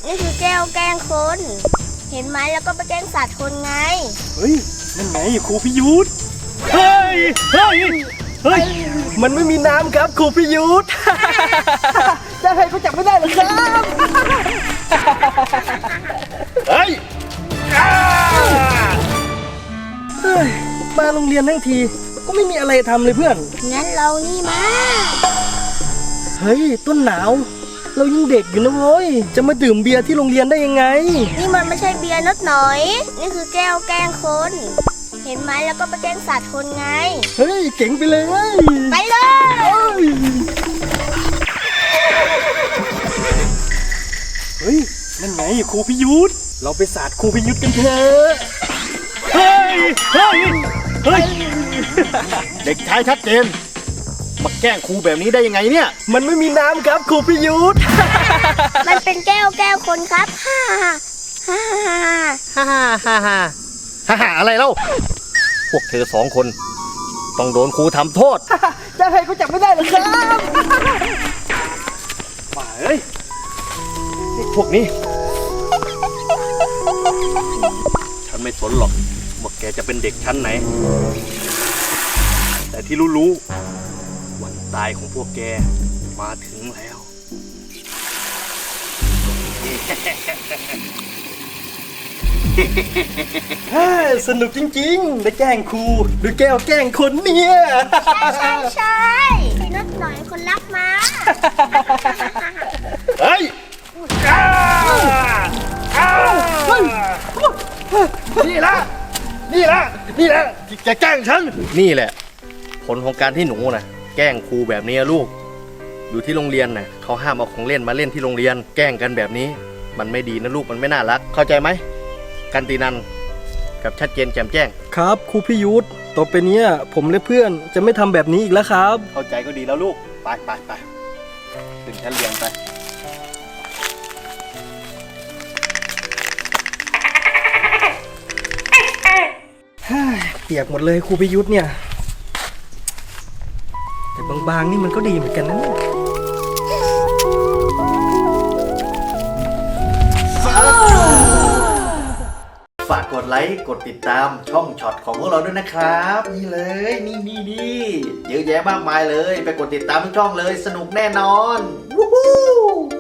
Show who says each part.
Speaker 1: นี่คือแก้วแกล้งคน เห็นไหมแล้วก็ไปแกล้งสัตว์คนไง
Speaker 2: เฮ้ยนั่นไงครูพิยุทธเฮ้ยเฮ้ยเฮ้ยมันไม่มีน้ำครับครูพิยุทธจะให้เขาจับไม่ได้หรอครับเฮ้ยมาโรงเรียนทั้งทีก็ไม่มีอะไรทำเลยเพื่อน
Speaker 1: งั้นเรานี่มา
Speaker 2: เฮ้ยต้นหนาวเรายังเด็กอยู่นะเว้ยจะมาดื่มเบียร์ที่โรงเรียนได้ยังไง
Speaker 1: นี่มันไม่ใช่เบียร์นิดหน่อย นี่คือแก้วแกล้งคน เห็นไหมแล้วก็ไปแกล้งสัตว์คนไง
Speaker 2: เฮ้ยเก่งไปเลย
Speaker 1: ไปเลย
Speaker 2: เฮ้ยนั่นไงครูพิยุทธเราไปสาดครูพิยุทธกันเถอะเฮ้ยเฮ้ยเฮ้ยเด็กชายชัดเจนมาแกล้งครูแบบนี้ได้ยังไงเนี่ยมันไม่มีน้ำครับครูพิยุทธ
Speaker 1: มันเป็นแก้วแก้วคนครับฮ่าฮ่าฮ่า
Speaker 2: ฮ่าฮ่าฮ่าฮ่าฮ่าฮ่าอะไรเล่าพวกเธอสองคนต้องโดนครูทำโทษจะให้เขาจับไม่ได้หรอครับมาเอ้ยเด็กพวกนี้ฉันไม่สนหรอกว่าแกจะเป็นเด็กชั้นไหนแต่ที่รู้วันตายของพวกแกมาถึงแล้ว สนุกจริงๆได้แกล้งครูดูแก้วแกล้งคนเนี่ย
Speaker 1: ใช่พี่นิดหน่อยคนรักมา
Speaker 2: เฮ้ยนี่ละที่แกแกล้งฉันนี่แหละผลของการที่หนูนะแกล้งครูแบบนี้ลูกอยู่ที่โรงเรียนนะเขาห้ามเอาของเล่นมาเล่นที่โรงเรียนแกล้งกันแบบนี้มันไม่ดีนะลูกมันไม่น่ารักเข้าใจไหมกันตินันกับชัดเจนแจ่มแจ้งครับครูพิยุทธต่อไปนี้ผมและเพื่อนจะไม่ทำแบบนี้อีกแล้วครับเข้าใจก็ดีแล้วลูกไปขึ้นชั้นเรียนไปเปียกหมดเลยครูพิยุทธเนี่ยแต่บางๆนี่มันก็ดีเหมือนกันนะเนี่ยฝากกดไลค์กดติดตามช่องช็อตของพวกเราด้วยนะครับนี่เลยนี่เยอะแยะมากมายเลยไปกดติดตามทุกช่องเลยสนุกแน่นอนวู้ฮู้